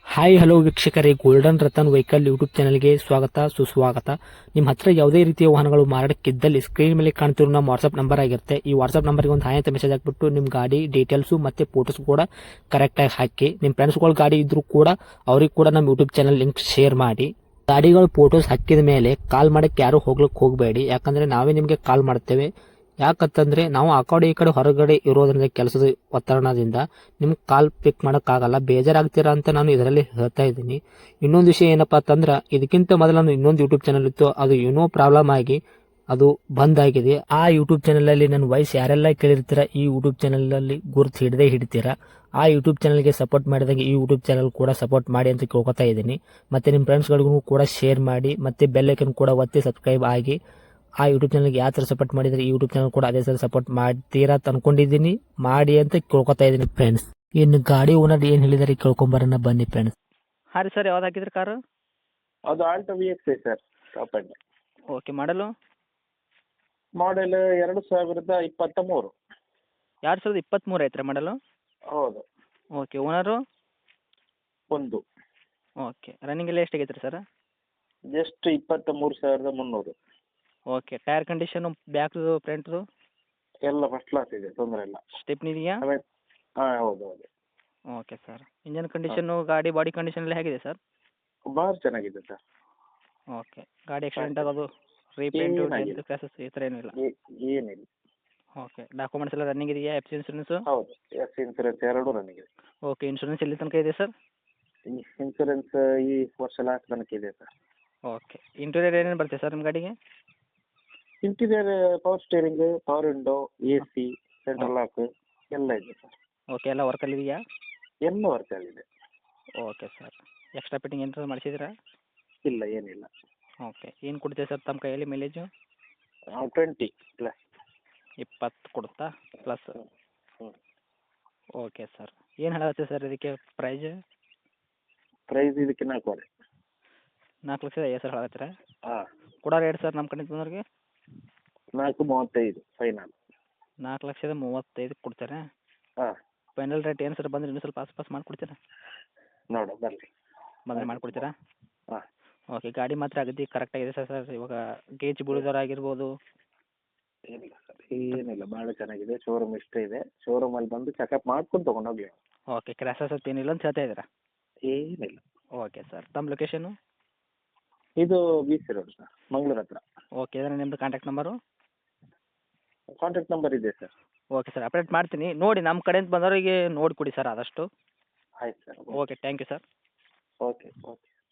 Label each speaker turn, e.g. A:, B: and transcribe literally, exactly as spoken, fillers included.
A: Hi hello ವೀಕ್ಷಕರೇ, golden Ratan vehicle YouTube ಚಾನಲ್ಗೆ ಸ್ವಾಗತ ಸುಸ್ವಾಗತ. ನಿಮ್ಮ ಹತ್ರ ಯಾವುದೇ ರೀತಿಯ ವಾಹನಗಳು ಮಾರಾಟಕ್ಕಿದ್ದಲ್ಲಿ ಸ್ಕ್ರೀನ್ ಮೇಲೆ ಕಾಣ್ತಿರೋ ನಮ್ಮ ವಾಟ್ಸ್ಆಪ್ ನಂಬರ್ ಆಗಿರುತ್ತೆ. ಈ ವಾಟ್ಸ್ಆಪ್ ನಂಬರ್ಗೆ ಒಂದು ಹಾಯ್ ಅಂತ ಮೆಸೇಜ್ ಹಾಕ್ಬಿಟ್ಟು ನಿಮ್ಮ ಗಾಡಿ ಡೀಟೇಲ್ಸು ಮತ್ತೆ ಫೋಟೋಸ್ ಕೂಡ ಕರೆಕ್ಟಾಗಿ ಹಾಕಿ. ನಿಮ್ಮ ಫ್ರೆಂಡ್ಸ್ಗಳ ಗಾಡಿ ಇದ್ರೂ ಕೂಡ ಅವ್ರಿಗೆ ಕೂಡ ನಮ್ಮ ಯೂಟ್ಯೂಬ್ ಚಾನಲ್ ಲಿಂಕ್ ಶೇರ್ ಮಾಡಿ. ಗಾಡಿಗಳು ಫೋಟೋಸ್ ಹಾಕಿದ ಮೇಲೆ ಕಾಲ್ ಮಾಡಕ್ಕೆ ಯಾರು ಹೋಗ್ಲಿಕ್ಕೆ ಹೋಗಬೇಡಿ, ಯಾಕಂದ್ರೆ ನಾವೇ ನಿಮಗೆ ಕಾಲ್ ಮಾಡ್ತೇವೆ. ಯಾಕಂತಂದ್ರೆ ನಾವು ಆ ಕಡೆ ಈ ಕಡೆ ಹೊರಗಡೆ ಇರೋದ್ರಿಂದ ಕೆಲಸದ ಒತ್ತಡದಿಂದ ನಿಮ್ಗೆ ಕಾಲ್ ಪಿಕ್ ಮಾಡೋಕ್ಕಾಗಲ್ಲ, ಬೇಜಾರಾಗ್ತೀರಾ ಅಂತ ನಾನು ಇದರಲ್ಲಿ ಹೇಳ್ತಾ ಇದ್ದೀನಿ. ಇನ್ನೊಂದು ವಿಷಯ ಏನಪ್ಪಾ ಅಂತಂದ್ರೆ, ಇದಕ್ಕಿಂತ ಮೊದಲು ನಾನು ಇನ್ನೊಂದು ಯೂಟ್ಯೂಬ್ ಚಾನಲ್ ಇತ್ತು, ಅದು ಏನೋ ಪ್ರಾಬ್ಲಮ್ ಆಗಿ ಅದು ಬಂದ್ ಆಗಿದೆ. ಆ ಯೂಟ್ಯೂಬ್ ಚಾನಲ್ ಅಲ್ಲಿ ನನ್ನ ವಾಯ್ಸ್ ಯಾರೆಲ್ಲ ಕೇಳಿರ್ತೀರಾ, ಈ ಯೂಟ್ಯೂಬ್ ಚಾನಲ್ ಅಲ್ಲಿ ಗುರುತು ಹಿಡದೆ ಹಿಡಿತೀರಾ. ಆ ಯೂಟ್ಯೂಬ್ ಚಾನಲ್ಗೆ ಸಪೋರ್ಟ್ ಮಾಡಿದಾಗ ಈ ಯೂಟ್ಯೂಬ್ ಚಾನಲ್ ಕೂಡ ಸಪೋರ್ಟ್ ಮಾಡಿ ಅಂತ ಕೇಳ್ಕೊತಾ ಇದ್ದೀನಿ. ಮತ್ತೆ ನಿಮ್ಮ ಫ್ರೆಂಡ್ಸ್ಗಳಿಗೂ ಕೂಡ ಶೇರ್ ಮಾಡಿ, ಮತ್ತೆ ಬೆಲ್ ಐಕನ್ ಕೂಡ ಒತ್ತಿ ಸಬ್ಸ್ಕ್ರೈಬ್ ಆಗಿ. ಆ ಯೂಟ್ಯೂಬ್ ಚಾನಲ್ಗೆ ಯಾವ ಥರ ಸಪೋರ್ಟ್ ಮಾಡಿದ್ರೆ ಈ ಯೂಟ್ಯೂಬ್ ಚಾನಲ್ ಕೂಡ ಅದೇ ಥರ ಸಪೋರ್ಟ್ ಮಾಡ್ತೀರಾ ಅಂತ ಅನ್ಕೊಂಡಿದ್ದೀನಿ. ಮಾಡಿ ಅಂತ ಕೇಳ್ಕೊತಾ ಇದ್ದೀನಿ ಫ್ರೆಂಡ್ಸ್. ಇನ್ನು ಗಾಡಿ ಓನರ್ ಏನು ಹೇಳಿದಾರೆ ಕೇಳ್ಕೊಂಬರೋಣ ಬನ್ನಿ ಫ್ರೆಂಡ್ಸ್.
B: ಹಾಂ ರೀ ಸರ್, ಯಾವ್ದು ಹಾಕಿದ್ರಿ ಕಾರು?
C: ಅದು Alto V X I sir, top end.
B: Okay, model
C: model ಎರಡು ಸಾವಿರದ ಇಪ್ಪತ್ತ ಮೂರು.
B: ಎರಡು ಸಾವಿರದ ಇಪ್ಪತ್ತ್ಮೂರು ಐತ್ರಿ ಮಾಡಲು?
C: ಹೌದು.
B: Okay, owner?
C: ಒಂದು.
B: ಓಕೆ, ರನ್ನಿಂಗ್ ಎಲ್ಲ ಎಷ್ಟಾಗೈತೆ ರೀ ಸರ್?
C: ಜಸ್ಟ್ ಇಪ್ಪತ್ತ ಮೂರು ಸಾವಿರದ ಮುನ್ನೂರು.
B: ಓಕೆ, ಟೈರ್ ಕಂಡೀಷನು ಬ್ಯಾಕ್ದು ಫ್ರಂಟ್ದು
C: ಎಲ್ಲ ಫಸ್ಟ್ ಕ್ಲಾಸ್ ಇದೆ, ತೊಂದರೆ ಇಲ್ಲ.
B: ಸ್ಟೆಪ್ನಿ ಇದೆಯಾ?
C: ಆಮೇಲೆ ಹಾಂ ಹೌದು ಹೌದು.
B: ಓಕೆ ಸರ್, ಇಂಜನ್ ಕಂಡೀಷನ್ನು ಗಾಡಿ ಬಾಡಿ ಕಂಡೀಷನ್ ಎಲ್ಲ ಹೇಗಿದೆ ಸರ್?
C: ಭಾಳ ಚೆನ್ನಾಗಿದೆ ಸರ್.
B: ಓಕೆ, ಗಾಡಿ ಆಕ್ಸಿಡೆಂಟ್ ಆಗೋದು ರೀಪೇಂಟು
C: ಏನಾಗಿಲ್ಲ.
B: ಕ್ಲಾಸಸ್ ಈ ಥರ ಏನಿಲ್ಲ?
C: ಏ- ಏನಿಲ್ಲ.
B: ಓಕೆ, ಡಾಕ್ಯುಮೆಂಟ್ಸ್ ಎಲ್ಲ ರನ್ನಿಂಗ್ ಇದೆಯಾ? F C insurance?
C: ಹೌದು, ಎಸ್ ಇನ್ಸೂರೆನ್ಸ್ ಎರಡೂ ನನಗೆ.
B: ಓಕೆ, ಇನ್ಶೂರೆನ್ಸ್ ಎಲ್ಲಿ ತನಕ ಇದೆ ಸರ್?
C: ಇನ್ಸೂರೆನ್ಸ್ ಈ ವರ್ಷ ಲಾಸ್ಟ್ ತನಕ ಇದೆ ಸರ್.
B: ಓಕೆ, ಇಂಟೀರಿಯರ್ ಏನೇನು ಬರುತ್ತೆ ಸರ್ ನಿಮ್ಮ ಗಾಡಿಗೆ?
C: Interior power steering, power window, A C, central lock ಎಲ್ಲ ಇದೆ ಸರ್.
B: ಓಕೆ, ಎಲ್ಲ ವರ್ಕಲ್ಲಿ ಇದೆಯಾ?
C: ಎಲ್ಲ ವರ್ಕ್ ಆಗಿದೆ.
B: ಓಕೆ ಸರ್, ಎಕ್ಸ್ಟ್ರಾ ಫಿಟ್ಟಿಂಗ್ ಏನಾದ್ರು ಮಾಡಿಸಿದ್ರಾ?
C: ಇಲ್ಲ, ಏನಿಲ್ಲ.
B: ಓಕೆ, ಏನು ಕೊಡ್ತೀವಿ ಸರ್ ತಮ್ಮ ಕೈಯಲ್ಲಿ ಮೈಲೇಜು?
C: Twenty plus.
B: ಇಪ್ಪತ್ತು ಕೊಡುತ್ತಾ ಪ್ಲಸ್?
C: ಹ್ಞೂ.
B: ಓಕೆ ಸರ್, ಏನು ಹೇಳತ್ತೆ ಸರ್ ಇದಕ್ಕೆ ಪ್ರೈಜ್?
C: ಪ್ರೈಸ್ ಇದಕ್ಕೆ ನಾಲ್ಕೂವರೆ.
B: ನಾಲ್ಕು ಲಕ್ಷದ ಐವತ್ತು ಸಾವಿರ ಹೇಳತ್ತೀರಾ?
C: ಹಾಂ.
B: ಕೊಡೋರು ರೇಟ್ ಸರ್ ನಮ್ಮ ಕಡೆಯಿಂದ ಬಂದವ್ರಿಗೆ?
C: ನಾಲ್ಕು ಮೂವತ್ತೈದು ಫೈನಲ್.
B: ನಾಲ್ಕು ಲಕ್ಷದ ಮೂವತ್ತೈದು ಕೊಡ್ತಾರೆ.
C: ಹಾಂ.
B: ಫೈನಲ್ ರೇಟ್ ಏನು ಸರ್ ಬಂದರೆ ಇನ್ನೂ ಸ್ವಲ್ಪ ಆಸ್ಪಾಸ್ ಮಾಡಿಕೊಡ್ತೀರಾ?
C: ನೋಡು ಬರಲಿ.
B: ಬಂದರೆ ಮಾಡಿಕೊಡ್ತೀರಾ?
C: ಹಾಂ.
B: ಓಕೆ, ಗಾಡಿ ಮಾತ್ರ ಅಗದಿ ಕರೆಕ್ಟಾಗಿದೆ ಸರ್ ಸರ್ ಇವಾಗ ಗೇಜ್ ಬೀಳೋದಾಗಿರ್ಬೋದು?
C: ಏನಿಲ್ಲ ಸರ್, ಏನಿಲ್ಲ, ಭಾಳ ಚೆನ್ನಾಗಿದೆ. ಶೋರೂಮ್ ಇಷ್ಟೇ ಇದೆ, ಶೋರೂಮಲ್ಲಿ ಬಂದು ಚೆಕಪ್ ಮಾಡ್ಕೊಂಡು ತೊಗೊಂಡೋಗಿ.
B: ಓಕೆ, ಕ್ರ್ಯಾಸಸ್ ಅಂತ ಏನಿಲ್ಲ ಅಂತ ಹೇಳ್ತಾ ಇದ್ದೀರಾ?
C: ಏನಿಲ್ಲ.
B: ಓಕೆ ಸರ್, ತಮ್ಮ ಲೊಕೇಶನು?
C: ಇದು B C road sir, Mangaluru ಹತ್ರ.
B: ಓಕೆ, ಇದನ್ನು ನಿಮ್ಮದು ಕಾಂಟ್ಯಾಕ್ಟ್ ನಂಬರು?
C: ಕಾಂಟ್ಯಾಕ್ಟ್ ನಂಬರ್ ಇದೆ ಸರ್.
B: ಓಕೆ ಸರ್, ಅಪ್ಡೇಟ್ ಮಾಡ್ತೀನಿ. ನೋಡಿ ನಮ್ಮ ಕಡೆಯಿಂದ ಬಂದವರಿಗೆ ನೋಡಿ ಕೊಡಿ ಸರ್ ಆದಷ್ಟು.
C: ಆಯ್ತು sir.
B: Okay, thank you sir.
C: Okay okay.